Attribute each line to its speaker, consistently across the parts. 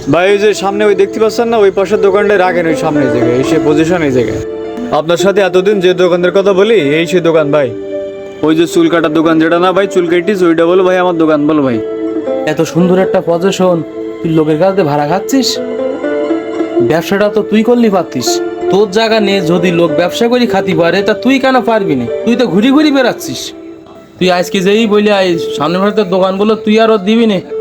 Speaker 1: ভাই ওই যে সামনে ওই দেখতে পাচ্ছেন না, ওই পাশের দোকানটা রাখেন ওই সামনে এই জায়গায়, এসে পজিশন এই জায়গায়। আপনার সাথে এতদিন যে দোকানের কথা বলি এই সেই দোকান ভাই। ওই যে চুল কাটার দোকান যেটা না ভাই, চুল কেটিস, ওইটা বলো ভাই আমার দোকান বলো ভাই।
Speaker 2: এত সুন্দর একটা পজিশন, তুই লোকের কাছ থেকে ভাড়া খাচ্ছিস? ব্যবসাটা তো তুই করলি পারতিস। তোর জায়গা নিয়ে যদি লোক ব্যবসা করি খাতি পারে, তা তুই কেন পারবি না? তুই তো ঘুরি ঘুরি বেড়াচ্ছিস। তুই আজকে যেই বলি আই সামনে ভারতের দোকান বলো, তুই আর ওর দিবি না।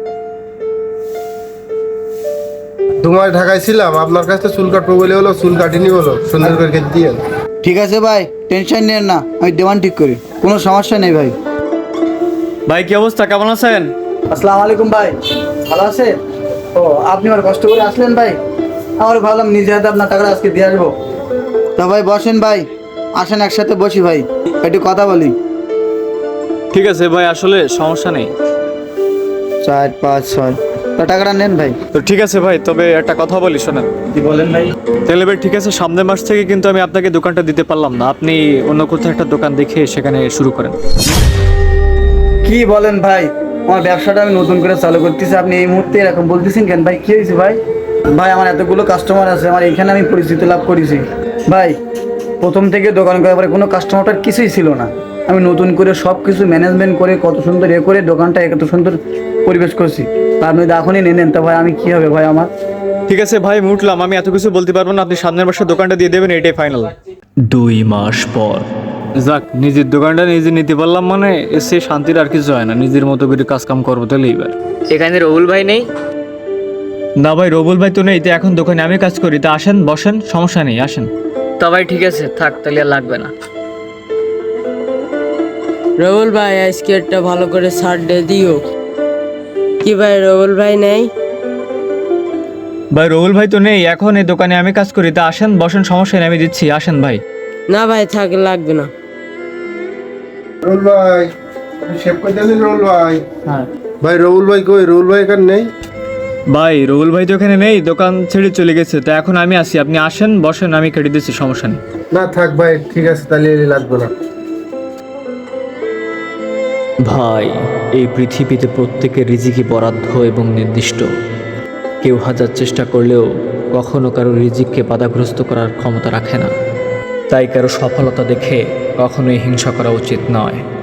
Speaker 3: তোমায় ঢাকায় ছিলাম, আপনার কাছে চুল কাটবো বলে হলো, চুল কাটিনি বলো, সুন্দর করে কেটে দিয়ে।
Speaker 4: ঠিক আছে ভাই, টেনশন নেন না, আমি দেওয়ান ঠিক করি, কোনো সমস্যা নেই ভাই।
Speaker 1: ভাই কি অবস্থা, কেমন আছেন?
Speaker 4: আসসালামু আলাইকুম ভাই, ভালো আছে? ও আপনি আমার কষ্ট করে আসলেন ভাই, আমার ভাবলাম নিজে হাতে আপনার টাকাটা আজকে দিয়ে আসবো। তা ভাই বসেন ভাই, আসেন একসাথে বসি ভাই, একটু কথা বলি।
Speaker 1: ঠিক আছে ভাই, আসলে সমস্যা নেই।
Speaker 4: 4 5 6 তা টাকাটা নেন ভাই।
Speaker 1: তো ঠিক আছে ভাই, তবে একটা কথা বলি শোনেন।
Speaker 4: কি বলেন ভাই?
Speaker 1: তাহলে ভাই ঠিক আছে, সামনের মাস থেকে কিন্তু আমি আপনাকে দোকানটা দিতে পারলাম না, আপনি অন্য কোথাও একটা দোকান দেখে সেখানে শুরু করেন।
Speaker 4: কি বলেন ভাই, আমার ব্যবসাটা আমি নতুন করে চালু করতেছি, আপনি এই মুহূর্তে এরকম বলতেছেন কেন ভাই? কি হয়েছে ভাই? ভাই আমার এতগুলো কাস্টমার আছে, আমার এখানে আমি পরিচিতি লাভ করেছি ভাই। প্রথম থেকে দোকান করার পরে কোনো কাস্টমারটার কিছুই ছিল না, আমি নতুন করে সব কিছু ম্যানেজমেন্ট করে কত সুন্দর করে দোকানটা এত সুন্দর পরিবেশ করছি। তা আপনি যদি এখনই নেন তা ভাই আমি কী হবে ভাই আমার?
Speaker 1: ঠিক আছে ভাই, আমি উঠলাম, আমি এত কিছু বলতে পারবো না, আপনি সামনের মাসে দোকানটা দিয়ে দেবেন, এটাই ফাইনাল।
Speaker 5: 2 মাস পর।
Speaker 1: যাক, নিজের দোকানটা নিজে নিতে পারলাম মানে সে শান্তির আর কিছু হয় না, নিজের মতো করে কাজ কাম করবো তাহলে এবার।
Speaker 6: এখানে রবুল ভাই নেই?
Speaker 1: না ভাই, রবুল ভাই তো নেই, তো এখন দোকানে আমি কাজ করি, তা আসেন বসেন, সমস্যা নেই, আসেন।
Speaker 6: তো ভাই ঠিক আছে, থাক তাহলে আর লাগবে না।
Speaker 7: রবুল ভাই আজকে একটা ভালো করে ছাড় দিয়ে দিও। কি ভাই রবুল ভাই নেই?
Speaker 1: ভাই রবুল ভাই তো নেই, এখন এই দোকানে আমি কাজ করি, তা আসেন বসেন, সমস্যা নেই, আমি দিচ্ছি, আসেন ভাই।
Speaker 7: না ভাই থাক, লাগবে না।
Speaker 3: রুল ভাই, শেভ করে দিলেন রুল ভাই?
Speaker 4: হ্যাঁ
Speaker 3: ভাই রুল ভাই কই? রুল ভাই এখানে নেই।
Speaker 1: ভাই রবুল ভাই তো এখানে নেই, দোকান ছেড়ে চলে গেছে, তো এখন আমি আসি, আপনি আসেন বসেন, আমি কেটে দিচ্ছি, সমস্যা নেই।
Speaker 3: না থাক ভাই, ঠিক আছে তাহলে লাগবে না।
Speaker 5: ভাই, এই পৃথিবীতে প্রত্যেকের রিজিকই বরাদ্দ এবং নির্দিষ্ট। কেউ হাজার চেষ্টা করলেও কখনো কারো রিজিককে বাধাগ্রস্ত করার ক্ষমতা রাখে না। তাই কারো সফলতা দেখে কখনোই হিংসা করা উচিত নয়।